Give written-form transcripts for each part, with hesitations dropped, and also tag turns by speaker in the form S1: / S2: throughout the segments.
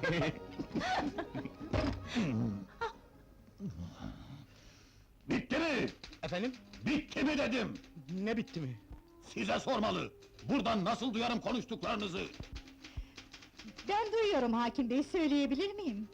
S1: Bitti mi?
S2: Efendim?
S1: Bitti mi dedim!
S2: Ne bitti mi?
S1: Size sormalı! Buradan nasıl duyarım konuştuklarınızı?
S3: Ben duyuyorum hakim bey, söyleyebilir miyim?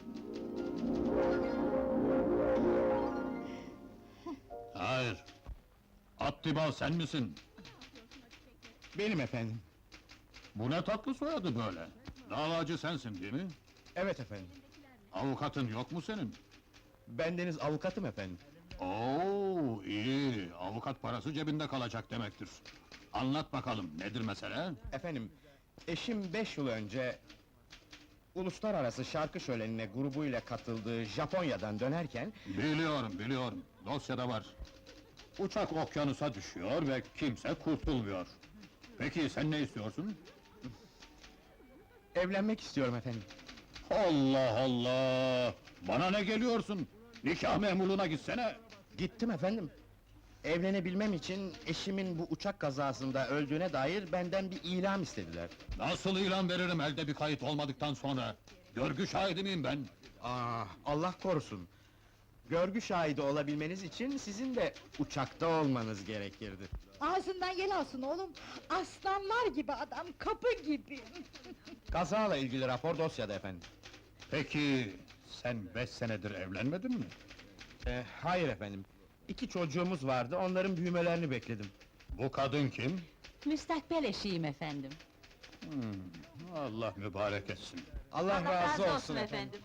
S1: Hayır! Attibal sen misin?
S2: Benim efendim.
S1: Bu ne tatlı soyadı böyle? Davacı sensin değil mi?
S2: Evet efendim.
S1: Avukatın yok mu senin?
S2: Bendeniz avukatım efendim.
S1: Oo, iyi! Avukat parası cebinde kalacak demektir. Anlat bakalım, nedir mesele?
S2: Efendim, eşim 5 yıl önce... ...Uluslararası Şarkı Şöleni'ne grubuyla katıldığı Japonya'dan dönerken...
S1: Biliyorum, dosyada var. Uçak okyanusa düşüyor ve kimse kurtulmuyor. Peki sen ne istiyorsun?
S2: ...evlenmek istiyorum efendim.
S1: Allah Allah! Bana ne geliyorsun? Nikah memurluğuna gitsene!
S2: Gittim efendim. Evlenebilmem için eşimin bu uçak kazasında öldüğüne dair benden bir ilan istediler.
S1: Nasıl ilan veririm elde bir kayıt olmadıktan sonra? Görgü şahidi miyim ben?
S2: Allah korusun! Görgü şahidi olabilmeniz için sizin de uçakta olmanız gerekirdi.
S3: Ağzından yel alsın oğlum! Aslanlar gibi adam, kapı gibi!
S2: Kazayla ilgili rapor dosyada efendim.
S1: Peki, sen 5 senedir evlenmedin mi?
S2: Hayır efendim. 2 çocuğumuz vardı, onların büyümelerini bekledim.
S1: Bu kadın kim?
S4: Müstakbel eşiyim efendim.
S1: Allah mübarek etsin.
S2: Allah razı olsun efendim.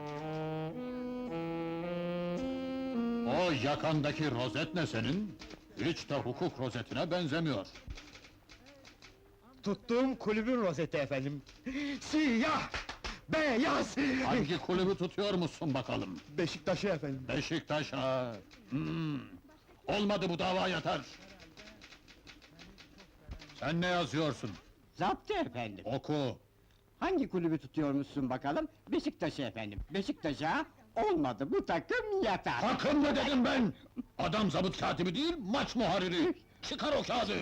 S1: O yakandaki rozet ne senin? Hiç de hukuk rozetine benzemiyor.
S2: Tuttuğum kulübün rozeti efendim. Siyah! Beyaz!
S1: Hangi kulübü tutuyor musun bakalım?
S2: Beşiktaş'ı efendim.
S1: Beşiktaş ha! Olmadı bu dava yatar! Sen ne yazıyorsun?
S5: Zaptı efendim.
S1: Oku!
S5: Hangi kulübü tutuyormuşsun bakalım? Beşiktaş'ı efendim. Beşiktaş'a olmadı, bu takım yatar.
S1: Takım mı dedim ben? Adam zabıt katibi değil, maç muharriri! Çıkar o kağıdı!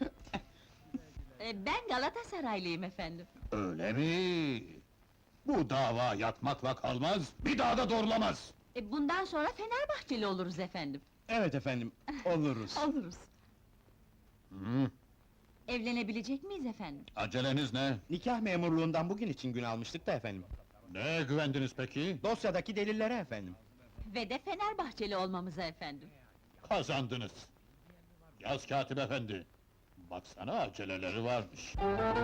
S4: Ben Galatasaraylıyım efendim.
S1: Öyle mi? Bu dava yatmakla kalmaz, bir daha da doğrulamaz!
S4: Bundan sonra Fenerbahçeli oluruz efendim.
S2: Evet efendim, oluruz.
S4: Oluruz.
S1: Hı,
S4: Evlenebilecek miyiz efendim?
S1: aceleniz ne?
S2: Nikah memurluğundan bugün için gün almıştık da efendim.
S1: Neye güvendiniz peki?
S2: Dosyadaki delillere efendim.
S4: Ve de Fenerbahçeli olmamıza efendim.
S1: Kazandınız! Yaz katip efendi! Baksana aceleleri varmış.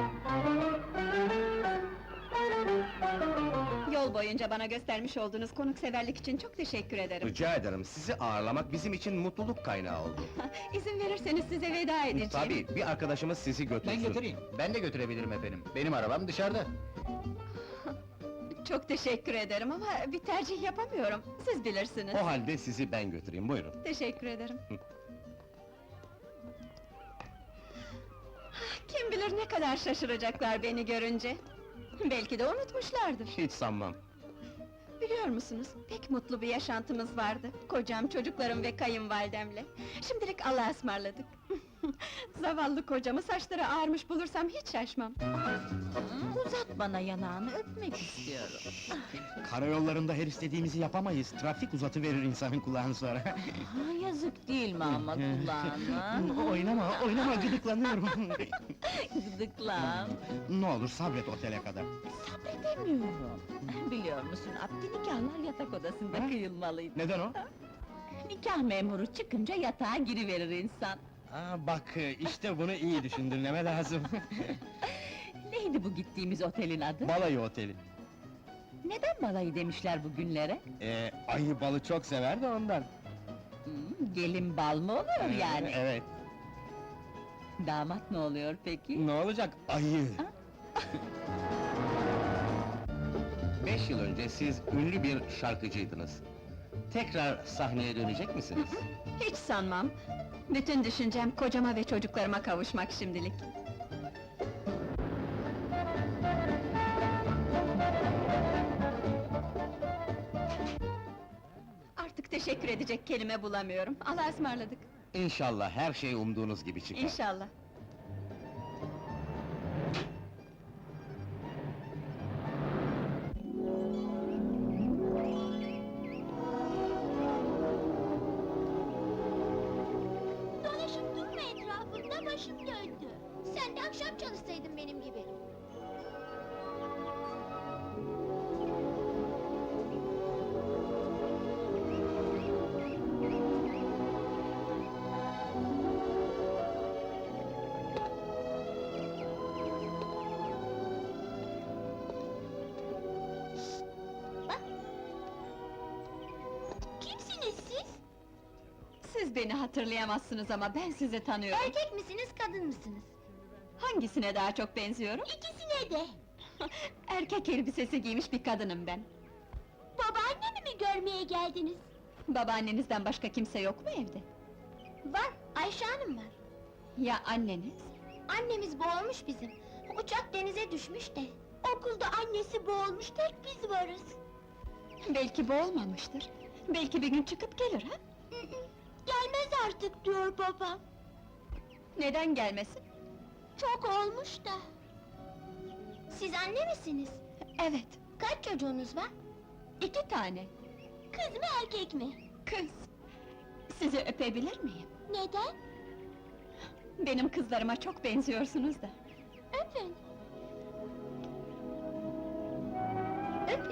S6: Yol boyunca bana göstermiş olduğunuz konukseverlik için çok teşekkür ederim.
S2: Rica ederim, sizi ağırlamak bizim için mutluluk kaynağı oldu.
S6: İzin verirseniz size veda edeceğim.
S2: Tabii, bir arkadaşımız sizi götürsün.
S5: Ben götüreyim.
S2: Ben de götürebilirim efendim. Benim arabam dışarıda.
S6: Çok teşekkür ederim ama bir tercih yapamıyorum. Siz bilirsiniz.
S2: O halde sizi ben götüreyim, buyurun.
S6: Teşekkür ederim. Kim bilir ne kadar şaşıracaklar beni görünce. Belki de unutmuşlardır.
S2: Hiç sanmam.
S6: Biliyor musunuz, pek mutlu bir yaşantımız vardı. Kocam, çocuklarım ve kayınvalidemle. Şimdilik Allah'a ısmarladık. Zavallı kocamı saçları ağarmış bulursam hiç şaşmam.
S4: Uzat bana yanağını, öpmek istiyorum.
S2: Karayollarında her istediğimizi yapamayız. Trafik uzatıverir insanın kulağını sonra.
S4: Yazık değil mi ama kulağına?
S2: oynama, gıdıklanıyorum.
S4: Gıdıklan.
S2: Ne olur sabret otele kadar.
S4: Sabredemiyorum. Biliyor musun, abdi nikahlar yatak odasında kıyılmalıydı.
S2: Neden o?
S4: Nikah memuru çıkınca yatağa giriverir insan.
S2: Bak, işte bunu iyi düşündün, neme lazım.
S4: Neydi bu gittiğimiz otelin adı?
S2: Balayı oteli.
S4: Neden balayı demişler bu günlere?
S2: Ayı balı çok sever de ondan.
S4: Gelin bal mı oluyor yani?
S2: Evet.
S4: Damat ne oluyor peki?
S2: Ne olacak, ayı! 5 yıl önce siz ünlü bir şarkıcıydınız. Tekrar sahneye dönecek misiniz?
S6: Hiç sanmam. Bütün düşüncem kocama ve çocuklarıma kavuşmak şimdilik. Artık teşekkür edecek kelime bulamıyorum. Allah'a ısmarladık.
S2: İnşallah her şey umduğunuz gibi çıkar.
S6: İnşallah.
S7: başım döndü. Sen de akşam çalışsaydın benim gibi. Bak. Kimsiniz siz?
S6: Siz beni hatırlayamazsınız ama ben sizi tanıyorum.
S7: Erkek misiniz, kadın mısınız?
S6: Hangisine daha çok benziyorum?
S7: İkisine de.
S6: Erkek elbisesi giymiş bir kadınım ben.
S7: Babaannemi mi görmeye geldiniz?
S6: Babaannenizden başka kimse yok mu evde?
S7: Var, Ayşe Hanım var.
S6: Ya anneniz?
S7: Annemiz boğulmuş bizim. Uçak denize düşmüş de. Okulda annesi boğulmuş, tek biz varız.
S6: Belki boğulmamıştır. Belki bir gün çıkıp gelir ha?
S7: Gelmez artık diyor babam.
S6: Neden gelmesin?
S7: Çok olmuş da. Siz anne misiniz?
S6: Evet,
S7: Kaç çocuğunuz var?
S6: 2 tane.
S7: Kız mı erkek mi?
S6: Kız. Sizi öpebilir miyim?
S7: Neden?
S6: Benim kızlarıma çok benziyorsunuz da.
S7: Öpün. Öpün.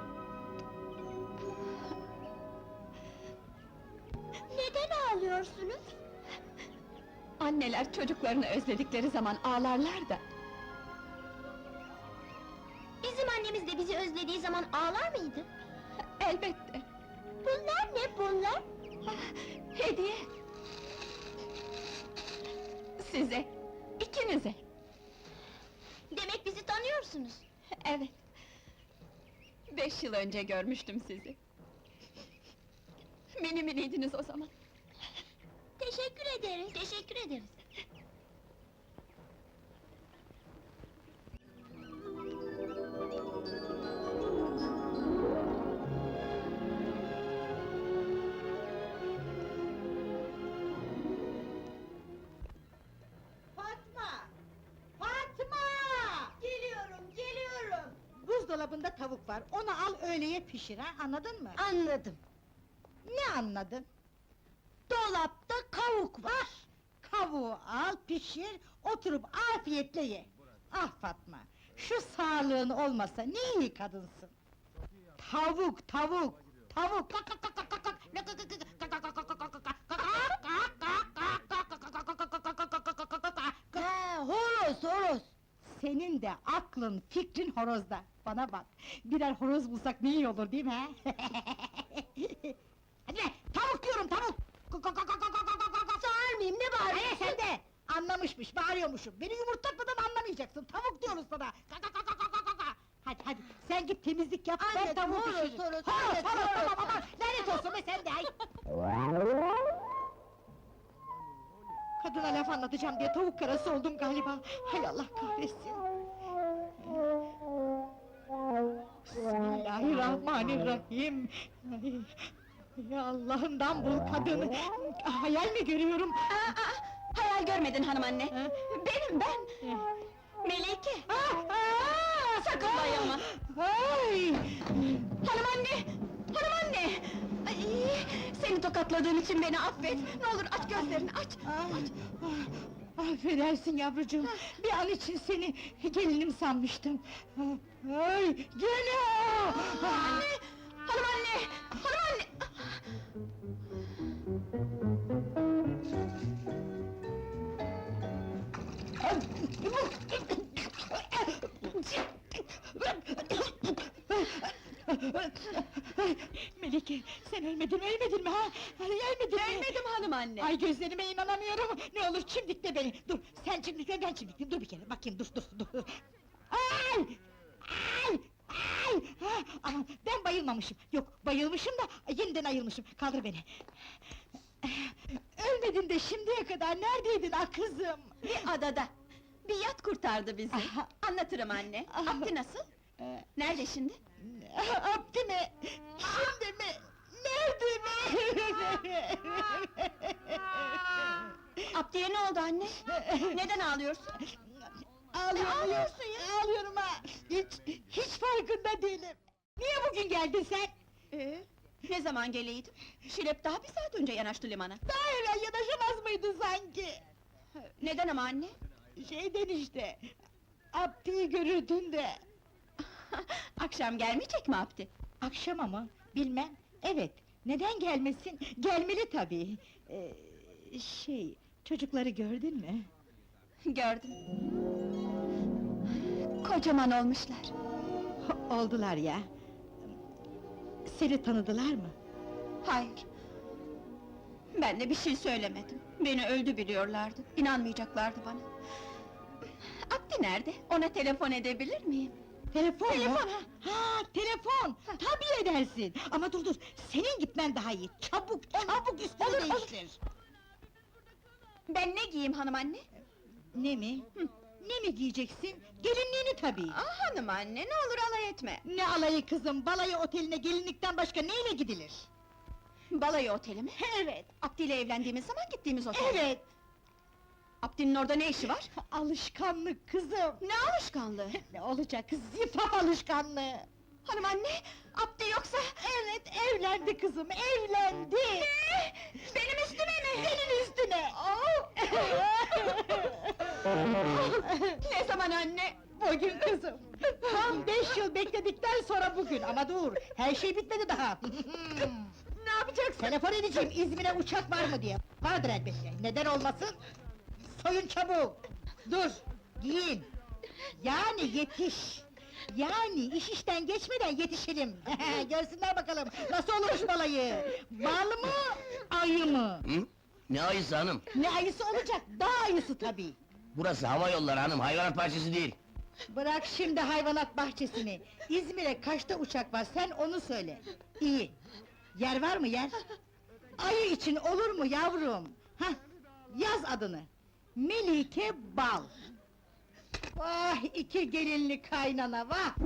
S7: Neden ağlıyorsunuz?
S6: Anneler çocuklarını özledikleri zaman ağlarlar da.
S7: Bizim annemiz de bizi özlediği zaman ağlar mıydı?
S6: Elbette.
S7: Bunlar ne bunlar?
S6: Hediye! Size, ikinize.
S7: Demek bizi tanıyorsunuz.
S6: Evet. 5 yıl önce görmüştüm sizi. Mini miniydiniz o zaman.
S7: Teşekkür ederiz. Teşekkür ederiz.
S3: Fatma! Fatma! Geliyorum. Buzdolabında tavuk var, onu al öğleye pişir ha, anladın mı?
S7: Anladım.
S3: Ne anladın?
S7: Dolapta kavuk var.
S3: Kavuğu al, pişir, oturup afiyetle ye. Ah Fatma, şu sağlığın olmasa ne iyi kadınsın. Tavuk. Horoz. Senin de aklın, fikrin horozda. Bana bak, birer horoz bulsak ne iyi olur değil mi ha? Hadi be, tavuk diyorum, tavuk!
S7: Sağır mıyım, ne bağırıyorsun?
S3: Hayır sen de! Anlamışmış, bağırıyormuşum. Beni yumurtlatmadan anlamayacaksın, tavuk diyoruz sana! Hadi, sen git temizlik yap, ben
S7: Anladım,
S3: tavuğu
S7: horoz,
S3: pişiririm.
S7: horoz,
S3: Horoz,
S7: anladım, horoz.
S3: tamam, lanet olsun be sen de, ay! Kadına laf anlatacağım diye tavuk karası oldum galiba. Hay Allah kahretsin! Bismillahirrahmanirrahim! Ya Allah'ından bul kadını! Hayal mi görüyorum?
S6: Hayal görmedin hanım anne.
S3: Ha?
S6: Benim ben. Melike. Sakın bayılma.
S3: Ay!
S6: Hanım anne! Hanım anne! Ay, seni tokatladığım için beni affet. Ne olur aç gözlerini, aç!
S3: Affedersin yavrucuğum, bir an için seni gelinim sanmıştım. Ay, gene!
S6: Anne! Hanım anne! Hanım anne!
S3: Melike, sen ölmedin mi ha? Ölmedin mi?
S6: Ölmedim hanım anne!
S3: Ay gözlerime inanamıyorum! Ne olur çimdikle beni! Dur, sen çimdikle, ben çimdikleyeyim, dur bir kere, bakayım, dur! Ay! Aman, ben bayılmamışım! Yok, bayılmışım da, yeniden ayılmışım, kaldır beni! Ölmedin de şimdiye kadar neredeydin ah kızım?
S6: Bir adada! Bir yat kurtardı bizi! Anlatırım anne! Abdi nasıl? Nerede şimdi?
S3: Abdi mi? Şimdi mi? Nerede mi?
S6: Abdi'ye ne oldu anne? Neden ağlıyorsun?
S3: Ağlıyorsun ya? Ağlıyorum ha! Hiç farkında değilim! Niye bugün geldin sen?
S6: Ne zaman geleydim? Şirep daha bir saat önce yanaştı limana.
S3: Daha evvel yanaşamaz mıydın sanki?
S6: Neden ama anne?
S3: Şeyden işte, Abdi'yi görürdün de.
S6: Akşam gelmeyecek mi Abdi?
S3: Akşam ama, bilmem, evet, neden gelmesin? Gelmeli tabii. Çocukları gördün mü?
S6: Gördüm. Kocaman olmuşlar.
S3: Oldular ya. Seni tanıdılar mı?
S6: Hayır. Ben de bir şey söylemedim. Beni öldü biliyorlardı. İnanmayacaklardı bana. Abdi nerede? Ona telefon edebilir miyim?
S3: Telefon mu?
S6: Telefon, ha!
S3: Ha, telefon! Tabii edersin! Ama dur, senin gitmen daha iyi! Çabuk üstünü
S6: olur, olur.
S3: değiştir!
S6: Ben ne giyeyim hanım anne?
S3: Ne mi? Ne mi giyeceksin? Gelinliğini tabii!
S6: Hanım anne, ne olur alay etme!
S3: Ne alayı kızım, balayı oteline gelinlikten başka neyle gidilir?
S6: Balayı oteli mi?
S3: Evet!
S6: Abdi ile evlendiğimiz zaman gittiğimiz otel.
S3: Evet!
S6: Abdi'nin orada ne işi var?
S3: Alışkanlık kızım!
S6: Ne alışkanlığı?
S3: Ne olacak, zifaf alışkanlığı!
S6: Hanım anne, Abdi yoksa...
S3: Evet, evlendi kızım, evlendi!
S6: Benim üstüme mi?
S3: Senin üstüne!
S6: Ne zaman anne?
S3: Bugün kızım! Tam 5 yıl bekledikten sonra bugün, ama dur, her şey bitmedi daha!
S6: Ne yapacaksın?
S3: Telefon edeceğim, İzmir'e uçak var mı diye! Vardır elbette, neden olmasın? Soyun çabuk! Dur, giyin! Yani yetiş! Yani iş işten geçmeden yetişelim! Görsünler bakalım, nasıl olmuş balayı! Bal mı, ayı mı?
S8: Hı? Ne ayısı hanım?
S3: Ne ayısı olacak, dağ ayısı tabii!
S8: Burası hava yolları hanım, hayvanat bahçesi değil.
S3: Bırak şimdi hayvanat bahçesini! İzmir'e kaçta uçak var, sen onu söyle! İyi! Yer var mı yer? Ayı için olur mu yavrum? Hah, yaz adını! Melike Bal! Vah iki gelinli kaynana vah!